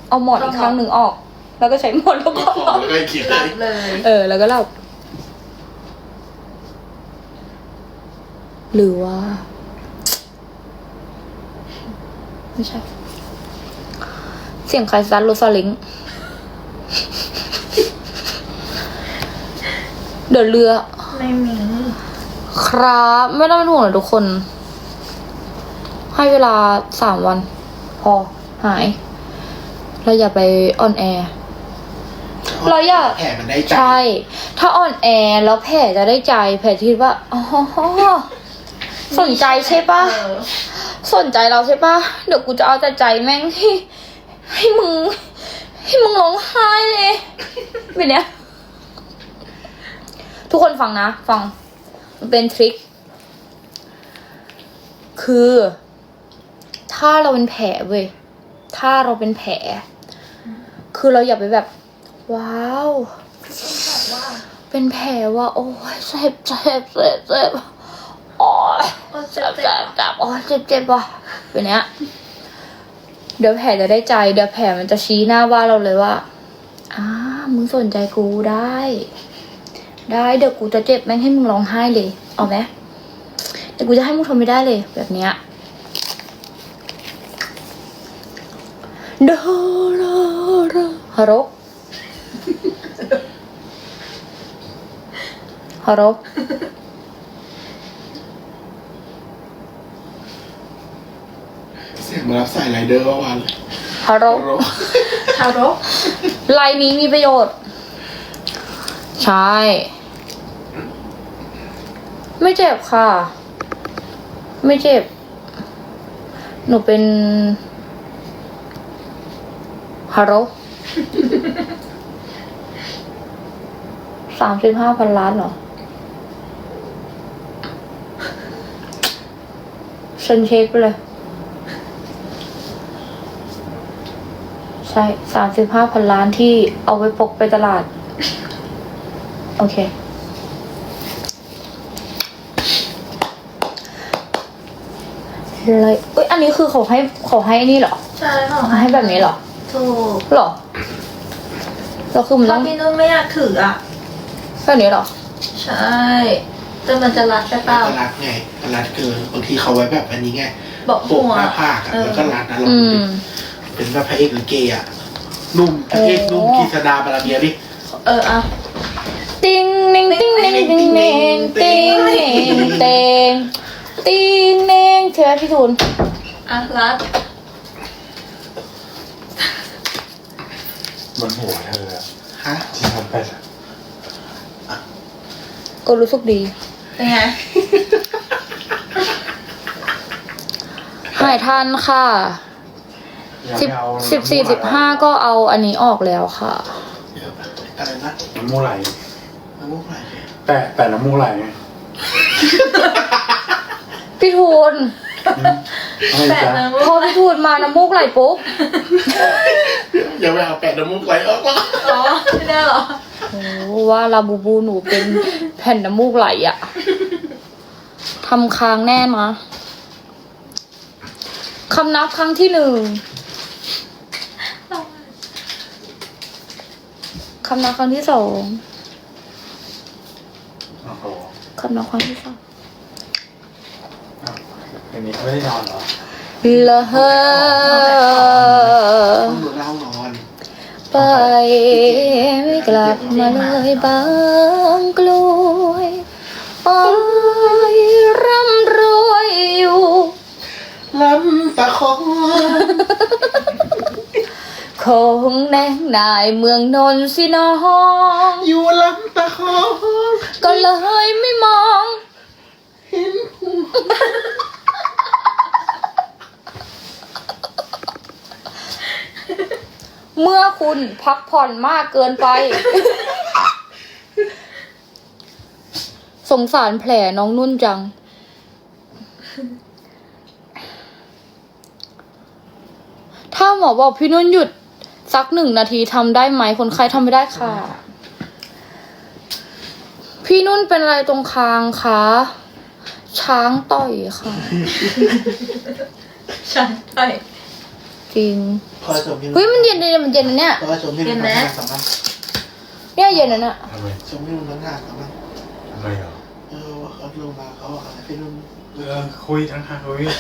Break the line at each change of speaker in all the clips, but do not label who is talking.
เอาหมอนอีกข้างหนึ่งออก แล้วก็ใช้หมอนแล้วก็
แล้วก็คิด
หลับเลย
แล้วก็หลับหรือว่า ไม่ใช่ เสียงใครซัดโรซาลิงเดี๋ยวเรือ
ไม่มี
ครับไม่ต้องเป็นห่วงเลยทุกคน ให้เวลา3 วัน พอหาย เราอย่าไปออนแอร์เราอย่า
แผลมันได้ใจ
ใช่ ถ้าออนแอร์แล้วแผลจะได้ใจ แผลคิดว่าอ๋อสนใจใช่ปะสนใจเราใช่ปะเดี๋ยวกูจะเอาแต่ใจแม่งให้มึงร้องไห้เลยแบบเนี้ยทุกคนฟังนะ ฟังมันเป็นทริคคือ ถ้าเราเป็นแผลเว้ยถ้าเราเป็นแผลคือเราอย่าไปแบบ ว้าวเป็นแผลว่าโอ้ยเจ็บโอ้ยเจ็บโอ้ยเจ็บว่ะแบบเนี้ยเดี๋ยวแผลจะได้ใจเดี๋ยวแผลมันจะชี้หน้าว่าเราเลยว่ามึงสนใจกูได้เดี๋ยวกูจะเจ็บแม่งให้มึงร้องไห้เลยเอาไหมเดี๋ยวกูจะให้มึงทนไม่ได้เลยแบบเนี้ยฮัลโหลฮัลโหล
เสียงมารับสายไรเดอร์เมื่อวานเลย
ฮัลโหล
ฮาโร
ไลน์นี้มีประโยชน์ ใช่ ไม่เจ็บค่ะ ไม่เจ็บ หนูเป็นฮัลโหล35,000 ล้านเหรอฉันเช็คไปเลย ใช่35,000 ล้านที่เอาไว้พกไปตลาด โอเค เลยเอ้ยอันนี้คือเขาให้นี่เหรอ
ใช่ค่ะ
ให้แบบนี้เหรอ
ถูก
เหรอแล้วคือมันต้
ถ้า
อง
พี่นุ่นไม่อยากถืออ่ะ
แบบนี้เหรอ
ใช่แต่มันจะรัดใช่เปล่า
มันรัดไงมันรัดเกินบางทีเขาไว้แบบอันนี้ไง
บอก
ป
หั
ก
ว
หน้าผากอะแล้วก็รัดนะเรา
อื
ดู
ม
ดิเป็นแบบพระเอกลิเกอะนุ่มพระเอกนุ่มกีษดาบาราเบียดิ
อ่ะ
ติ้งนิ่งติ้งนิ่งติ้งนิ่งติ้งนิ่งเตงติ้งนิ่งใช่ไหมพี่ทูน
รัด
บนหัวเธออะ
ฮะ
ที่ทำไปอะ
ก็รู้สึกดี
เป็นไง
หายทันค่ะ
ยัง
สิบ
ไม่เอา
14 15ก็เอาอันนี้ออกแล้วค่ะ
อะไรนะ
น้ำมูกไหล
น้ำมูกไหล
แต่น้ำมูกไหลไง
พี่ทูน
อะไร
แปะ
จ๊ะ
นะ
พอพี่ทูนมาน้ำมูกไหลปุ๊บ
อย่าไปเอาแปะน้ำมูกไหลออกมา
อ๋อไม่ได้เหรอ
โอ้ว่าลาบูบูหนูเป็นแผ่นน้ำมูกไหลอะทำค้างแน่นะคำนับครั้งที่ 1คำนับครั้งที่ 2
โอ้โห
คำนับครั้งที่ 3
อ้าวอย่างนี้ไม่ได้นอนเหรอ
ละเฮอ
ต้องดูเล่านอน
ไปไม่กลับมาเลยบางกลวยไปร่ำรวยอยู่
ลำตะคอง
คงแนงนายเมืองนนท์สิน้อง
อยู่ลำตะคอง
ก็เลยไม่มอง
เห็นหู
เมื่อคุณพักผ่อนมากเกินไป สงสารแผลน้องนุ่นจัง ถ้าหมอบอกพี่นุ่นหยุดสัก1 นาทีทำได้ไหมคนไข้ทำไม่ได้ค่ะ พี่นุ่นเป็นอะไรตรงคางคะช้างต่อยค่ะ
ใช่ใช่
จริง
คอยสม
เฮ้ยมันเย็นเลยมันเย็นนะเนี่ย
คอยสมที่นุ่มทั้ง5 3 วัน
เนี่ยเย็นนะเนี่ย
ทำไม
สมที่นุ่มทั้ง5 3 วัน
ทำไมเหรอ
ว่าเขาลงมาเขาบอกอะไรพี่นุ่ม
คุยทั้งหาคุย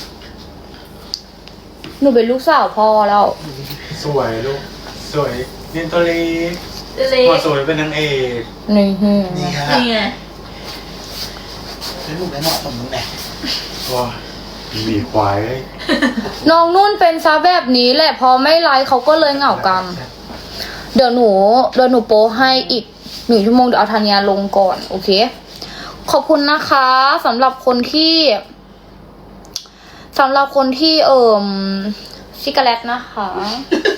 หนูเป็นลูกสาวพ่อแล้ว
สวยลูกสวยเนียนตัวเล็ก
เล็
พอก สวยเป็นนางเอก
นี่ฮึ
นี่ค่ะ
นี่ไง
พี่นุ่มได้เหมาะสมตรงไหน
ว้ามีควายเลย
น้องนุ่นเป็นซะแบบนี้แหละพอไม่ไลฟ์เขาก็เลยเหงากังเดี๋ยวหนูโป้ให้อีก1 ชั่วโมงเดี๋ยวเอาธัญญาลงก่อนโอเคขอบคุณนะคะสำหรับคนที่ชิกาแลตนะคะ